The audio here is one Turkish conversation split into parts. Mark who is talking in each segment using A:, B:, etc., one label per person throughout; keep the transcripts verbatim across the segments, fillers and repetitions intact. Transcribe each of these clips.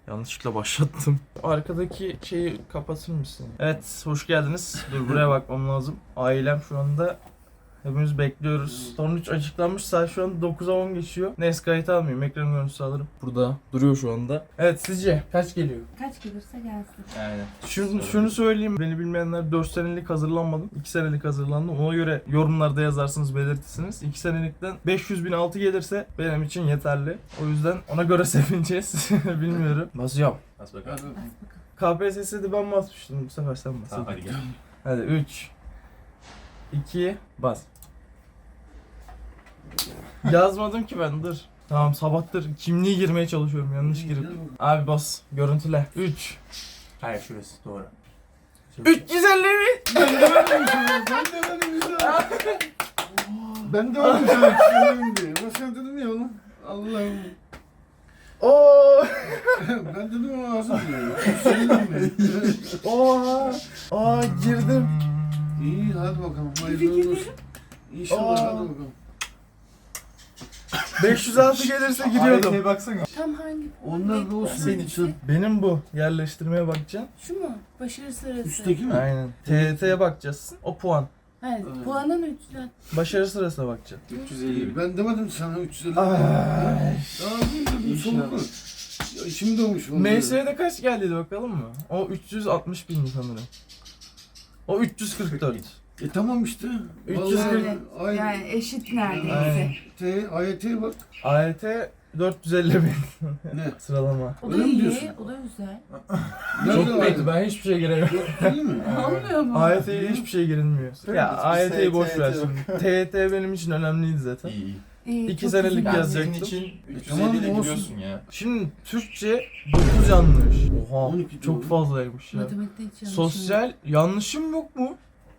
A: Yanlışlıkla başlattım. Arkadaki şeyi kapatır mısın? Evet, hoş geldiniz. Dur buraya bakmam lazım. Ailem şu anda hepimiz bekliyoruz. Son üç açıklanmış. Saat şu an dokuza on geçiyor. Neyse kayıt almayayım. Ekran görüntüsü alırım. Burada duruyor şu anda. Evet, sizce kaç geliyor?
B: Kaç gelirse gelsin.
A: Aynen. Şunu, şunu söyleyeyim. Beni bilmeyenler dört senelik hazırlanmadım. iki senelik hazırlandım. Ona göre yorumlarda yazarsınız, belirtirsiniz. iki senelikten beş yüz bin altı gelirse benim için yeterli. O yüzden ona göre sevineceğiz. Bilmiyorum. Basıyorum.
C: Bas bakalım.
B: Bas bakalım.
A: K P S S'de ben basmıştım. Bu sefer sen bas.
C: Tamam hadi gel.
A: Hadi üç iki bas. Yazmadım ki ben, dur. Tamam, sabahtır kimliği girmeye çalışıyorum, yanlış girip. Abi bas, görüntüle. üç
C: Hayır şurası doğru.
A: üç yüz elli bin.
D: Ben de verdim sana. Ben de verdim sana. Ben de verdim sana. Söyleyeyim diye. Ama sen dedim ya oğlum. Allah'ım.
A: Oo.
D: Ben dedim ama nasıl diyor. Söyledim mi?
A: Oha. Aa, girdim.
D: İyi hadi bakalım. Hayırlı olsun. İnşallah
A: Aa.
D: hadi bakalım.
A: beş yüz altı gelirse giriyordum.
C: Aileye baksana.
B: Tam hangi?
D: Onlar da olsun.
A: Senin için. Benim bu. Yerleştirmeye bakacağım.
B: Şu mu? Başarı sırası.
D: Üstteki mi?
A: Aynen. T Y T'ye bakacağız. O puan.
B: Evet.
D: Evet.
B: Puanın üçten.
A: Başarı sırasına bakacağım.
C: üç yüz elli bin.
D: Ben demedim sana üç yüz elli.
A: Ay.
D: Daha değil de bir
C: İnşallah.
D: soğuk. Ya içim dolmuş. vallahi.
A: M S'de kaç geldiydi bakalım mı? O üç yüz altmış bin sanırım. O üç yüz kırk dört.
D: E tamam işte.
A: üç yüz
D: Vallahi
B: kırk.
D: ay-
B: Yani eşit
A: Aynen.
B: neredeyse.
D: T, A Y T'ye bak.
A: A Y T dört yüz elli bin
D: Ne?
A: sıralama.
B: O da
D: Öyle mi
B: iyi.
D: diyorsun?
B: O da güzel.
D: Nerede
A: Çok
D: var?
A: kötü, ben hiçbir şey giremiyorum.
D: Yok değil mi?
B: Olmuyor mu?
A: A Y T'ye hiçbir şey girilmiyor. Ya A Y T'yi boş ver şimdi. T Y T benim için önemliydi zaten.
C: İyi iyi.
B: İyi,
A: İki
B: çok
A: senelik
B: güzel.
C: Yani
A: yazacaktım.
C: senin için üç yüz
D: tamam,
C: elli ile
D: olsun.
C: giriyorsun ya.
A: Şimdi Türkçe dokuz yanlış. Oha,
D: on iki
A: çok
D: doğru.
A: fazlaymış ya.
B: Matematikte hiç yanlışım yok.
A: Sosyal yanlışım yok mu?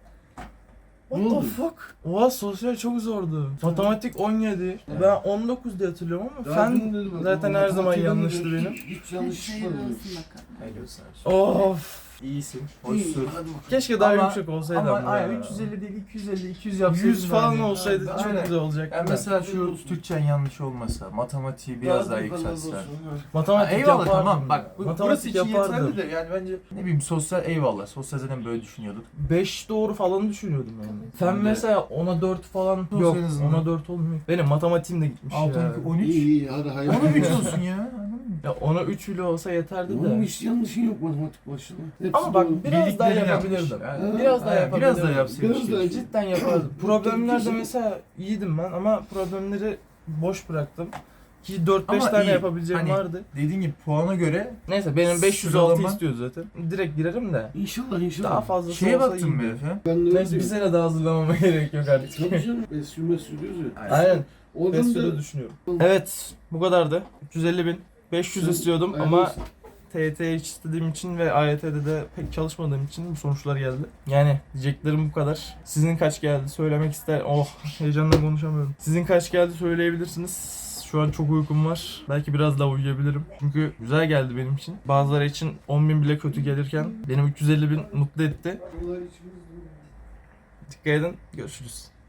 A: What
D: Ne
A: the
D: oldu?
A: fuck? Oha, sosyal çok zordu. Matematik on yedi. Ben on dokuz diye hatırlıyorum ama
D: Daha
A: fen
D: dün dedim bak,
A: zaten
D: bak,
A: her zaman
D: matematiğe
A: yanlıştı
D: ben de
A: benim.
D: Hiç, hiç yanlış
B: Hayırlı
D: çıkmadı.
B: olsun bakalım.
C: Hayırlı olsun abi.
A: Of.
C: İyisin.
D: İyi,
C: Hoşsun.
D: hadi bakalım.
A: Keşke daha
C: Ama-
A: yumuşak olsaydı
C: Ama
A: ama.
C: aynen
A: ya.
C: üç yüz elli değil iki yüz elli iki yüz yapsaydın.
A: yüz falan
C: yani.
A: olsaydı çok
C: Aynen.
A: güzel olacaktı.
C: Yani
A: da.
C: mesela şu Türkçen yanlış olmasa, matematiği biraz daha
D: Hadi bakalım,
C: yükseltsen.
D: olsun, evet.
A: Matematik
C: Ha, eyvallah
A: yapardım.
C: tamam bak bu, burası
A: Matematik
C: için
A: yapardım.
C: yeterli de yani bence ne bileyim sosyal eyvallah. Sosyal zaten böyle düşünüyorduk.
A: beş doğru falan düşünüyordum yani. Fen
C: Ben de-
A: mesela ona dört falan
C: Olsun
A: yok.
C: en azından.
A: Ona dört olmuyor. Benim matematiğim de gitmiş
C: altı
A: ya.
C: on iki on üç.
D: İyi iyi hadi hayırlı
C: Ona üç olsun ya. Anladın mı?
A: Ya ona üç bile olsa yeterdi
D: Oğlum
A: de.
D: hiç yanlışın yok matematik başına. Hepsi
A: Ama bak
D: doğru.
A: biraz daha
C: Bildiklerini
A: yapabilirdim.
C: yapmış. Yani.
A: Biraz daha
C: Aynen,
A: yapabilirdim.
C: Biraz daha yapsaymış.
D: Biraz daha
C: keşke.
A: Cidden yapardım. Problemlerde mesela iyiydim ben ama problemleri boş bıraktım. Ki dört beş
C: Ama
A: tane
C: iyi.
A: yapabileceğim
C: Hani-
A: vardı.
C: Dediğin gibi puana göre
A: Neyse benim beş yüz altı
C: Sıralama-
A: istiyordu zaten. Direkt girerim de.
D: İnşallah inşallah.
A: Daha fazlası
C: şeye
A: olsa
C: baktın mı
A: iyiydi.
C: Efe?
D: Ben de
A: Neyse bir sene daha hazırlamama gerek yok artık.
D: Tabii canım. Besyo mesyo diyoruz ya.
A: Aynen.
D: Oradan
A: Besyo'da
D: da
A: düşünüyorum. Evet, bu kadardı. üç yüz elli bin. beş yüz
D: Sen-
A: istiyordum
D: hayırlı
A: ama
D: olsun.
A: T Y T'ye hiç istediğim için ve A Y T'de de pek çalışmadığım için bu sonuçlar geldi. Yani diyeceklerim bu kadar. Sizin kaç geldi söylemek ister. Oh, heyecanla konuşamıyorum. Sizin kaç geldi söyleyebilirsiniz. Şu an çok uykum var. Belki biraz daha uyuyabilirim. Çünkü güzel geldi benim için. Bazıları için on bin bile kötü gelirken benim üç yüz elli bin mutlu etti.
D: Allah içimiz-
A: Dikkat edin. Görüşürüz.